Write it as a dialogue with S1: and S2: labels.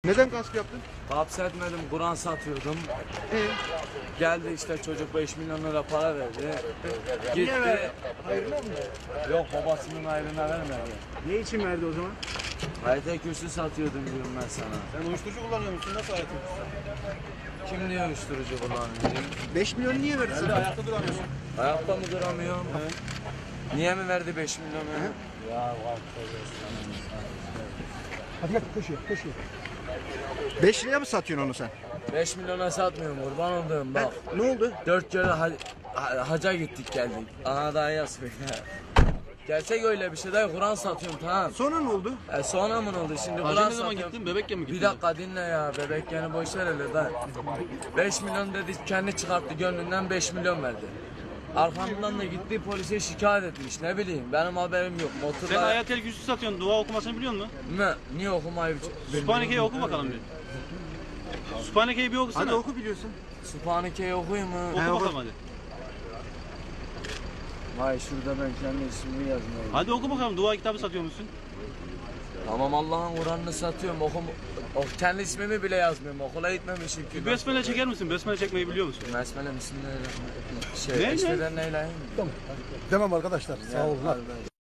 S1: Neden gasp yaptın?
S2: Hapsetmedim, Kur'an satıyordum. Geldi işte çocuk 5 milyon lira para verdi. Gitti.
S1: Hayrına mı?
S2: Yok, babasının ayrına vermedi.
S1: Ne için verdi o zaman?
S2: Hayata kürsü satıyordum diyorum ben sana.
S1: Sen uyuşturucu kullanıyor musun? Nasıl hayatın?
S2: Kim diyor uyuşturucu kullanıyor?
S1: 5 milyon niye verdi sana?
S3: Ayakta duramıyorsun.
S2: Ayakta mı duramıyorum? Niye mi verdi 5 milyonu?
S1: Hadi gel koşuyor. 5 liraya mı satıyorsun onu sen?
S2: 5 milyona satmıyorum, kurban olduğum bak.
S1: Ne oldu?
S2: 4 kere haca gittik geldik. Ana daha yazıyor. Gerçek öyle bir şey değil, Kur'an satıyorum tamam.
S1: Sonra ne oldu?
S2: Sonra mı oldu şimdi
S3: Hacı
S2: Kur'an
S3: ne zaman
S2: satıyorum.
S3: gittin? Bebekken mi gittin?
S2: Bir dakika dinle ya, bebek yani boş ver hele da. 5 milyon dedi, kendi çıkarttı gönlünden 5 milyon verdi. Arkamdan da gitti polise şikayet etmiş, ne bileyim benim haberim yok.
S3: Sen
S2: Motorla
S3: ayetel kürsü satıyorsun. Dua okumasını biliyor musun?
S2: ne? Niye okumayı
S3: Sübhaneke'yi oku bakalım bir. Sübhaneke'yi bir okusana.
S1: Hadi oku biliyorsun.
S2: Sübhaneke'yi okuyayım mı?
S3: Oku bakalım hadi.
S2: Vay şurada ben kendi ismimi yazmayayım.
S3: Hadi oku bakalım. Dua kitabı satıyor musun?
S2: Tamam, Allah'ın Kur'an'ını satıyorum, kendi ismimi bile yazmıyorum, okula gitmemişim ki.
S3: Besmele çeker misin? Besmele çekmeyi biliyor musun?
S2: Besmele bismillahirrahmanirrahim.
S3: Ne?
S2: Eşveden neyleyim?
S4: Demem arkadaşlar. Sağ olun.
S2: Hadi.